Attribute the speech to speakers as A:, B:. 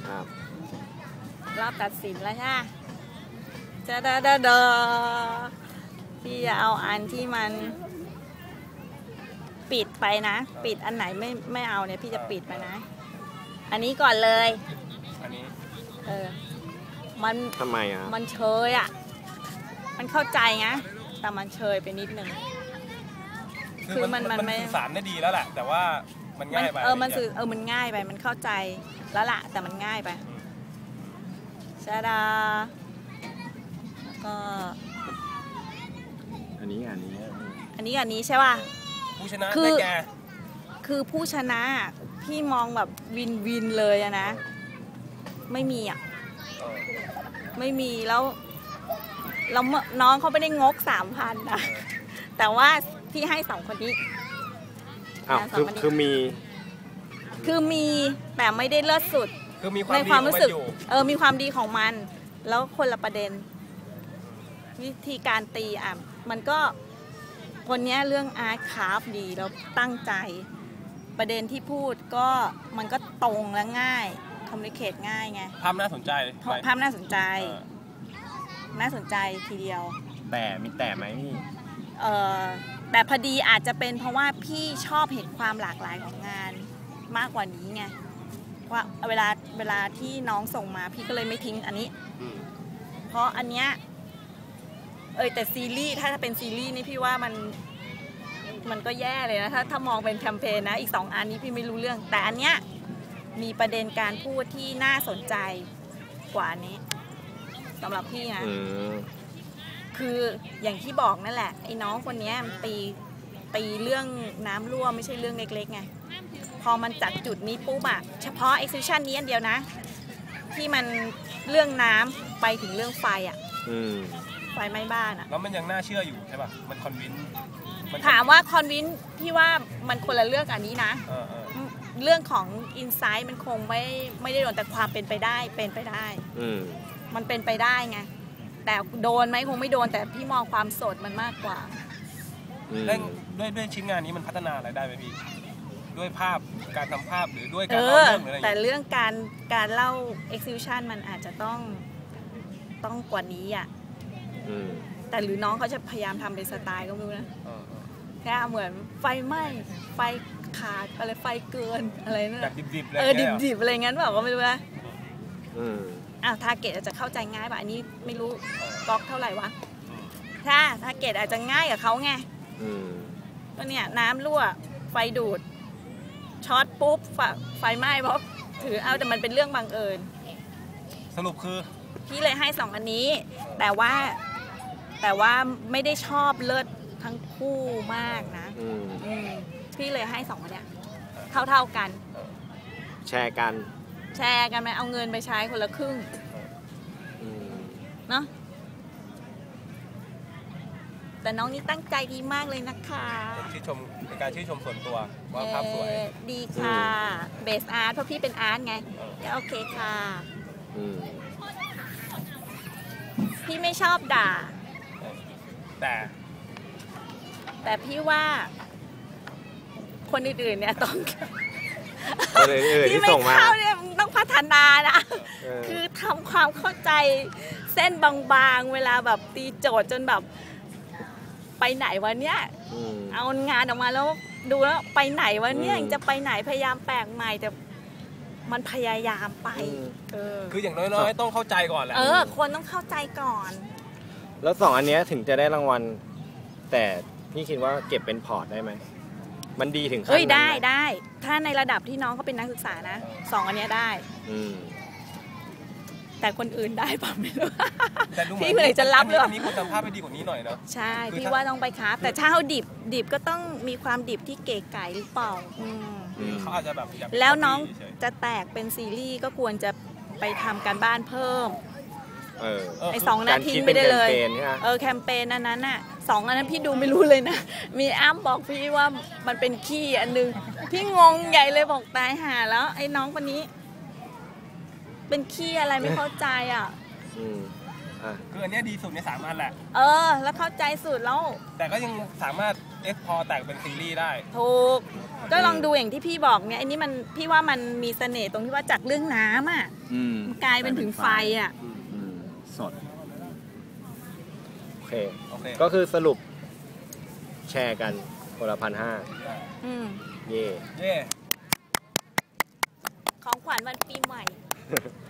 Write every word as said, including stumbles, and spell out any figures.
A: ครับ
B: รอบตัดสินแล้วใช่ไหมจะเดอเดอเดอพี่จะเอาอันที่มันปิดไปนะปิดอันไหนไม่ไม่เอาเนี่ยพี่จะปิดไปนะอันนี้ก่อนเลย
C: อันนี้
B: เออมัน
A: ทำไมอ่ะ
B: มันเชยอ่ะมันเข้าใจไงแต่มันเชยไปนิดนึง
C: คือมันมันสื่อสารได้ดีแล้วแหละแต่ว่ามันง่ายไป
B: เออมันสื่อเออมันง่ายไปมันเข้าใจแล้วล่ะแต่มันง่ายไปชาดาแล้วก็
A: อันนี้อันนี้
B: อันนี้อันนี้ใช่ป่ะ
C: ผู้ชนะได้แก่
B: คือผู้ชนะพี่มองแบบวินวินเลยอะนะไม่มีอ่ะไม่มีแล้วเราน้องเขาไม่ได้งกสามพันนะแต่ว่าพี่ให้สองคนนี้
A: อ้าวคือคือมี
B: คือมีแต่ไม่ได้เลิศสุด
C: คือมีความในความรู้สึก
B: เออมีความดีของมันแล้วคนละประเด็นวิธีการตีอ่ะมันก็คนนี้เรื่องอาร์ตคราฟดีแล้วตั้งใจประเด็นที่พูดก็มันก็ตรงและง่ายคอมมิวนิเคชง่ายไง
C: ภาพน่าสนใจ
B: ภาพน่าสนใจน่าสนใจทีเดียว
A: แต่มีแต่ไหมพี่
B: เออแต่พอดีอาจจะเป็นเพราะว่าพี่ชอบเห็นความหลากหลายของงานมากกว่านี้ไงว่าเวลาเวลาที่น้องส่งมาพี่ก็เลยไม่ทิ้งอันนี้เพราะอันเนี้ยเออแต่ซีรีส์ถ้าเป็นซีรีส์นี่พี่ว่ามันมันก็แย่เลยนะถ้าถ้ามองเป็นแคมเปญนะอีกสองอันนี้พี่ไม่รู้เรื่องแต่อันเนี้ยมีประเด็นการพูดที่น่าสนใจกว่านี้สำหรับพี่นะคืออย่างที่บอกนั่นแหละไอ้น้องคนนี้มันตีตีเรื่องน้ำรั่วไม่ใช่เรื่องเล็กๆไงพอมันจัดจุดนี้ปุ๊บอะเฉพาะ exhibition นี้อันเดียวนะที่มันเรื่องน้ำไปถึงเรื่องไฟอะไฟไหม้บ้านอะ
C: แล้วมันยังน่าเชื่ออยู่ใช่ป่ะมันคอนวิน
B: ถามว่าคอนวินพี่ว่ามันคนละเรื่องอันนี้นะเรื่องของอินไซต์มันคงไม่ไม่ได้โดนแต่ความเป็นไปได้เป็นไปได้มันเป็นไปได้ไงแต่โดนไหมคงไม่โดนแต่พี่มองความสดมันมากกว่า
C: ด้วยด้วยด้วยชิ้นงานนี้มันพัฒนาอะไรได้ไหมพี่ด้วยภาพการทำภาพหรือด้วยการเล่าเรื่องหรืออะไร
B: แต่เรื่องการการเล่า exhibition มันอาจจะต้องต้องกว่านี้อ่ะแต่หรือน้องเขาจะพยายามทำเป็นสไตล์ก็ไม่รู้นะแค่เหมือนไฟไหม้ไฟขาดอะไรไฟเกินอะไรนั่น
C: แบบดิบๆเลย
B: เออดิบๆอะไรงั้นแบบก็ไม่รู้นะอ้าวทาร์เก็ตอาจจะเข้าใจง่ายป่ะอันนี้ไม่รู้ก๊อกเท่าไหร่วะถ้าทาร์เก็ตอาจจะง่ายกับเขาไงก็เนี่ยน้ำรั่วไฟดูดช็อตปุ๊บไฟไหม้เพราะถือเอาแต่มันเป็นเรื่องบังเอิญ
C: สรุปคือ
B: พี่เลยให้สองอันนี้แต่ว่าแต่ว่าไม่ได้ชอบเลิศทั้งคู่มากนะพี่เลยให้สองอันเนี้ยเท่าเท่ากัน
A: แชร์กัน
B: แชร์กันไหมเอาเงินไปใช้คนละครึ่งเนาะแต่น้องนี่ตั้งใจดีมากเลยนะคะ
C: ชื่นชมในการชื่นชมส่วนตัวว่าภาพสวย
B: ดีค่ะเบสอาร์ตเพราะพี่เป็นอาร์ตไงโอเคค่ะพี่ไม่ชอบด่า
C: แต่
B: แต่พี่ว่าคนอื่นๆเนี่ยต้อง
A: ที่ไม่เข้า
B: เนี่ยต้องพัฒนานะคือทำความเข้าใจเส้นบางๆเวลาแบบตีโจทย์จนแบบไปไหนวะเนี่ยเอางานออกมาแล้วดูแล้วไปไหนวะเนี่ยจะไปไหนพยายามแปลกใหม่แต่มันพยายามไป
C: คืออย่างน้อยๆต้องเข้าใจก่อนแหละ
B: เออคนต้องเข้าใจก่อน
A: แล้วสองอันนี้ถึงจะได้รางวัลแต่พี่คิดว่าเก็บเป็นพอร์ตได้ไหมมันดีถึงขั้นนั้น
B: ได้ได้ถ้าในระดับที่น้องเขาเป็นนักศึกษานะสองอันนี้ได้แต่คนอื่นได้ป่ะไม่รู้พี่เลยจะรับเลย
C: มีคุณภาพไปดีกว่านี้หน่อยเนาะ
B: ใช่พี่ว่าต้องไปครับแต่ถ้าเขาดิบดิบก็ต้องมีความดิบที่เก๋ไก๋หรือเปล่า
C: เขาอาจจะแบบ
B: แล้วน้องจะแตกเป็นซีรีส์ก็ควรจะไปทำการบ้านเพิ่มไอสองนาทีไม่ได้เลยเออแคมเปญอันนั้นน่ะสองอันนั้นพี่ดูไม่รู้เลยนะมีอ้ำบอกพี่ว่ามันเป็นขี้อันนึงพี่งงใหญ่เลยบอกตายหาแล้วไอ้น้องคนนี้เป็นขี้อะไรไม่เข้าใจอ่ะ
A: อ่ะ
C: คืออันเนี้ยดีสุดในสามอันแหละ
B: เออ แล้วเข้าใจสุดแล้ว
C: แต่ก็ยังสามารถเอ็กพอร์ตแตกเป็นซีรีส์ได้
B: ถูก ก็ลองดูอย่างที่พี่บอกเนี่ยอันนี้มันพี่ว่ามันมีเสน่ห์ตรงที่ว่าจากเรื่องน้ำอ่ะ
D: อืม
B: กลายเป็นถึงไฟอ่ะ
D: อืมสด
A: โอเค
C: โอเค
A: ก็คือสรุปแชร์กันคนละพันห้า
B: อืม
A: เย่
C: เย่
B: ของขวัญวันปีใหม่